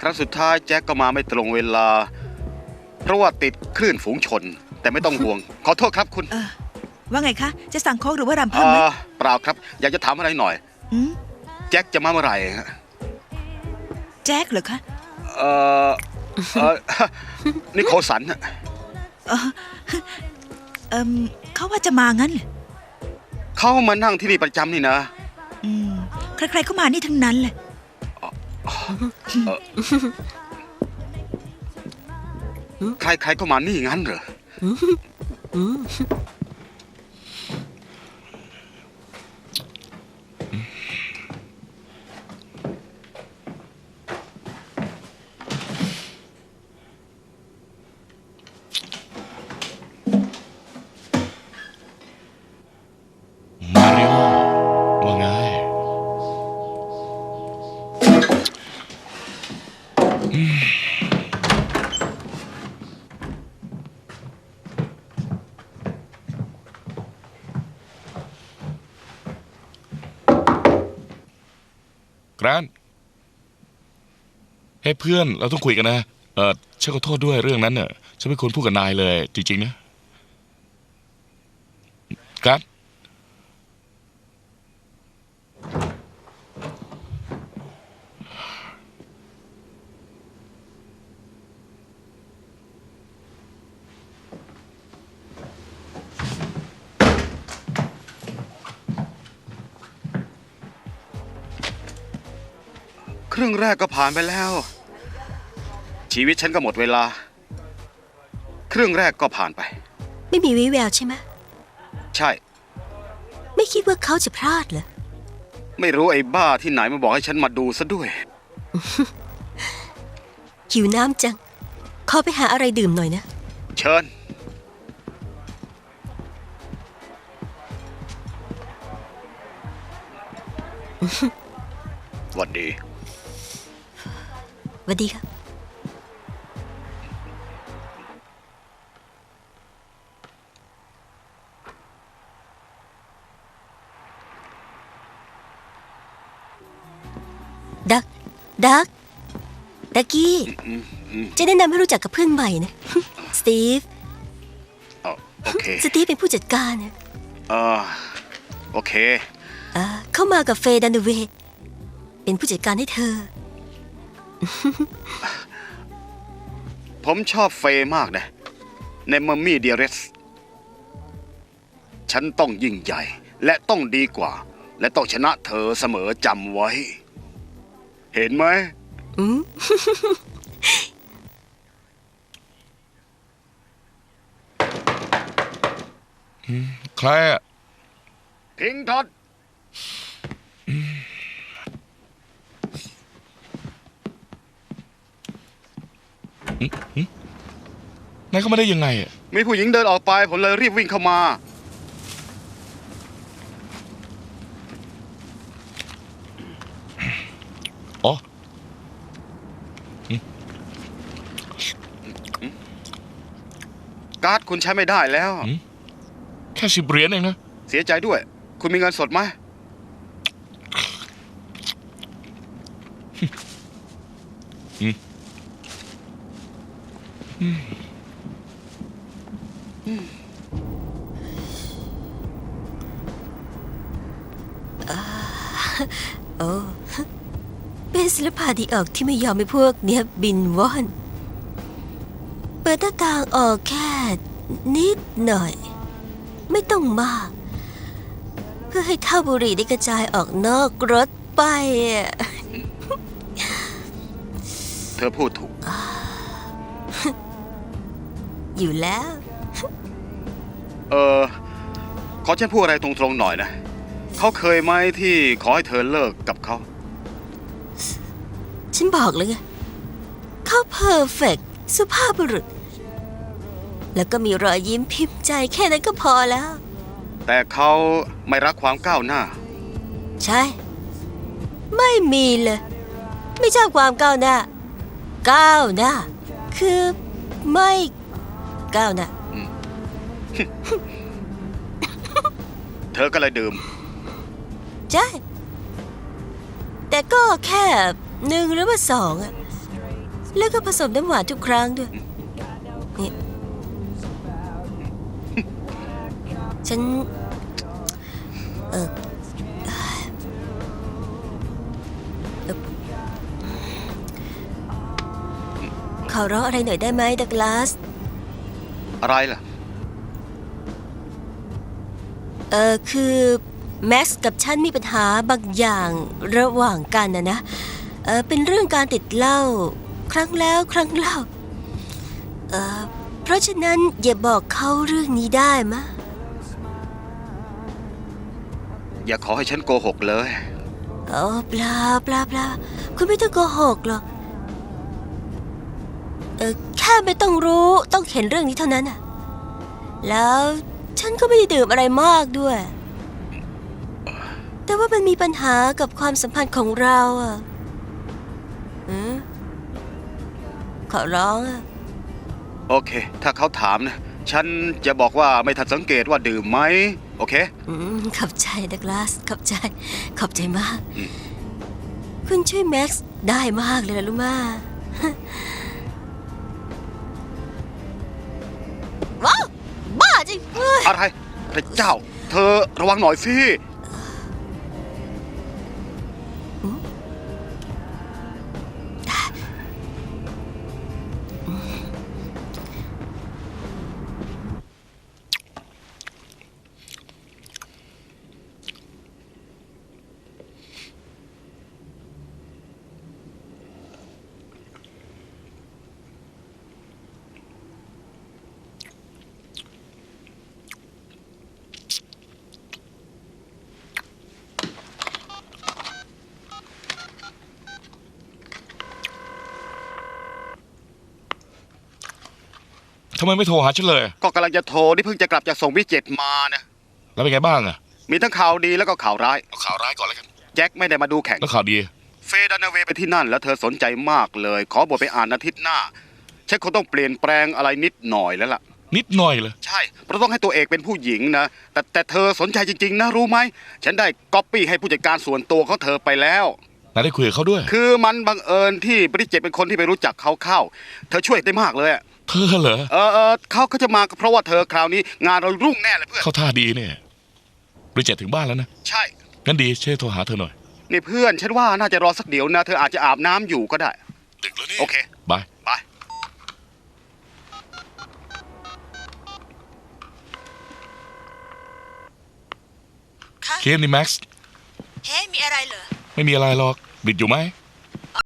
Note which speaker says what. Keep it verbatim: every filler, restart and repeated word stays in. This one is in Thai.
Speaker 1: ครั้งสุดท้ายแจ็คก็มาไม่ตรงเวลาเพราะว่าติดคลื่นฝูงชนแต่ไม่ต้องห่วง ขอโทษครับคุณ
Speaker 2: เออว่าไงคะจะสั่งโค้กหรือว่ารำ
Speaker 1: เอ
Speaker 2: เพิ่มไหม
Speaker 1: อเปล่าครับอยากจะถามอะไรหน่อย
Speaker 2: อืม
Speaker 1: แจ็คจะมาเมื่อไหร่ฮะ
Speaker 2: แจ็คเหรอคะ
Speaker 1: เออเออ นิโคลสันฮะ
Speaker 2: เออเอมเขาว่าจะมางั้นเหรอ
Speaker 1: เขามานั่งที่นี่ประจำนี่นะ
Speaker 2: อืมใครๆก็มานี่ทั้งนั้นเลย
Speaker 1: ใครๆก็มานี่งั้นเหรอ
Speaker 3: มาริโอว่าไงแกรนเฮ้ยเพื่อนเราต้องคุยกันนะเออฉันขอโทษด้วยเรื่องนั้นเนอะฉันไม่ควรพูดกับนายเลยจริงๆนะแกรน
Speaker 1: ครึ่งแรกก็ผ่านไปแล้วชีวิตฉันก็หมดเวลาครึ่งแรกก็ผ่านไป
Speaker 4: ไม่มีวิแววใช่ไหม
Speaker 1: ใช่
Speaker 4: ไม่คิดว่าเขาจะพลาดเหรอ
Speaker 1: ไม่รู้ไอ้บ้าที่ไหนมาบอกให้ฉันมาดูซะด้วย
Speaker 4: หิวน้ำจังขอไปหาอะไรดื่มหน่อยนะ
Speaker 1: เชิญหวัดดี
Speaker 4: หวัดดีครับดักดักดักกี้จะแนะนำให้รู้จักกับเพื่อนใหม่นะ สตีฟ
Speaker 1: โอเค
Speaker 4: สตีฟเป็นผู้จัดการนะ
Speaker 1: เออโอเค
Speaker 4: เข้ามากับเฟย์ดันเดเวย์เป็นผู้จัดการให้เธอ
Speaker 1: ผมชอบเฟย์มากนะในมัมมี่เดียเรสฉันต้องยิ่งใหญ่และต้องดีกว่าและต้องชนะเธอเสมอจำไว้เห็นไหม
Speaker 3: ใครอะ
Speaker 1: พิงท็อด
Speaker 3: นายเข้ามาได้ยังไงอะ
Speaker 1: มีผู้หญิงเดินออกไปผมเลยรีบวิ่งเข้ามา
Speaker 3: อ๋อ
Speaker 1: การ์ดคุณใช้ไม่ได้แล้ว
Speaker 3: แค่สิบเหรียญเองนะ
Speaker 1: เสียใจด้วยคุณมีเงินสดไหม
Speaker 4: โอ้เป็นศิลปะที่ออกที่ไม่ยอมให้พวกเนี้ยบินว่อนเปิดหน้าต่างออกแค่นิดหน่อยไม่ต้องมากเพื่อให้เท่าบุหรี่ได้กระจายออกนอกรถไป
Speaker 1: เธอพูดถูก
Speaker 4: อยู่แล้ว
Speaker 1: เออขอฉันพูดอะไรตรงๆหน่อยนะเขาเคยไหมที่ขอให้เธอเลิกกับเขา
Speaker 4: ฉันบอกเลยไงเขาเพอร์เฟกต์สุภาพบุรุษแล้วก็มีรอยยิ้มพิมพ์ใจแค่นั้นก็พอแล้ว
Speaker 1: แต่เขาไม่รักความก้าวหน้า
Speaker 4: ใช่ไม่มีเลยไม่ชอบความก้าวหน้าก้าวหน้าคือไม่ก้าวหน้า
Speaker 1: เธอก็เลยดื่ม
Speaker 4: ใช่แต่ก็แค่หนึ่งหรือว่าสองอะแล้วก็ผสมน้ำหวานทุกครั้งด้วยนี่ฉัน เออเอ่อขอร้องอะไรหน่อยได้ไหมดักลาส
Speaker 1: อะไรล่ะ
Speaker 4: เออคือแม็กซ์กับฉันมีปัญหาบางอย่างระหว่างกันนะนะเออเป็นเรื่องการติดเหล้าครั้งแล้วครั้งเล่าเออเพราะฉะนั้นอย่าบอกเขาเรื่องนี้ได้มะ
Speaker 1: อย่าขอให้ฉันโกหกเลย
Speaker 4: โอ้เปล่าเปล่าเปล่าคุณไม่ต้องโกหกหรอกเออแค่ไม่ต้องรู้ต้องเห็นเรื่องนี้เท่านั้นน่ะแล้วฉันก็ไม่ได้ดื่มอะไรมากด้วย แต่ว่ามันมีปัญหากับความสัมพันธ์ของเราอ่ะอืมขอร้องอ่ะ
Speaker 1: โอเค ถ้าเขาถามนะ ฉันจะบอกว่าไม่ทันสังเกตว่าดื่มไหม โอเค
Speaker 4: อืมขอบใจดักลาสขอบใจ ขอบใจมาก
Speaker 1: อืม
Speaker 4: คุณช่วยแม็กซ์ได้มากเลยนะลูกมาว้าวบ้าจริงเฮ้ย
Speaker 1: อะไร พระเจ้า เธอระวังหน่อยสิ
Speaker 3: ทำไมไม่โทรหาฉันเลย
Speaker 1: ก็กำลังจะโทรนี่เพิ่งจะกลับจากส่งวิจิตรมานะ
Speaker 3: แล้วเป็นไงบ้างอะ
Speaker 1: มีทั้งข่าวดีแล้วก็ข่าวร้าย
Speaker 3: เอาข่าวร้ายก่อนแล้วกัน
Speaker 1: แจ็คไม่ได้มาดูแข่ง
Speaker 3: แล้วข่าวดี
Speaker 1: เฟย์ดันเวย์ไปที่นั่นแล้วเธอสนใจมากเลย ขอบทไปอ่านอาทิตย์หน้า ฉันคงต้องเปลี่ยนแปลงอะไรนิดหน่อยแล้วล่ะ
Speaker 3: นิดหน่อยเลย
Speaker 1: ใช่ เพราะต้องให้ตัวเอกเป็นผู้หญิงนะ แต่แต่เธอสนใจจริงๆนะรู้ไหม ฉันได้ก๊อปปี้ให้ผู้จัดการส่วนตัวเขาเธอไปแล้ว
Speaker 3: นายได้คุยกับเขาด้วย
Speaker 1: คือมันบังเอิญที่บริเจตเป็นคนที่ไปรู้จักเขาเข้า เธอช่วยได้มากเลยอะ
Speaker 3: เธอเหรอ
Speaker 1: เออเออเขาเขาจะมาก็เพราะว่าเธอคราวนี้ งานเรารุ่งแน่เลยเพื่อน
Speaker 3: เข้าท่าดีเนี่ยบริเจตถึงบ้านแล้วนะ
Speaker 1: ใช่
Speaker 3: งั้นดีช่วยโทรหาเธอหน่อย
Speaker 1: นี่เพื่อนฉันว่าน่าจะรอสักเดี๋ยวนะ เธออาจจะอาบน้ำอยู่ก็ได้
Speaker 3: ดึกแล้วนี่
Speaker 1: โอเค
Speaker 3: บาย
Speaker 1: บาย
Speaker 2: คะ
Speaker 3: เคมนี่แม็กซ์
Speaker 2: เฮ้ยมีอะไรเหรอ
Speaker 3: ไม่มีอะไรหรอกบิดอยู่ไหม
Speaker 2: อ๋อ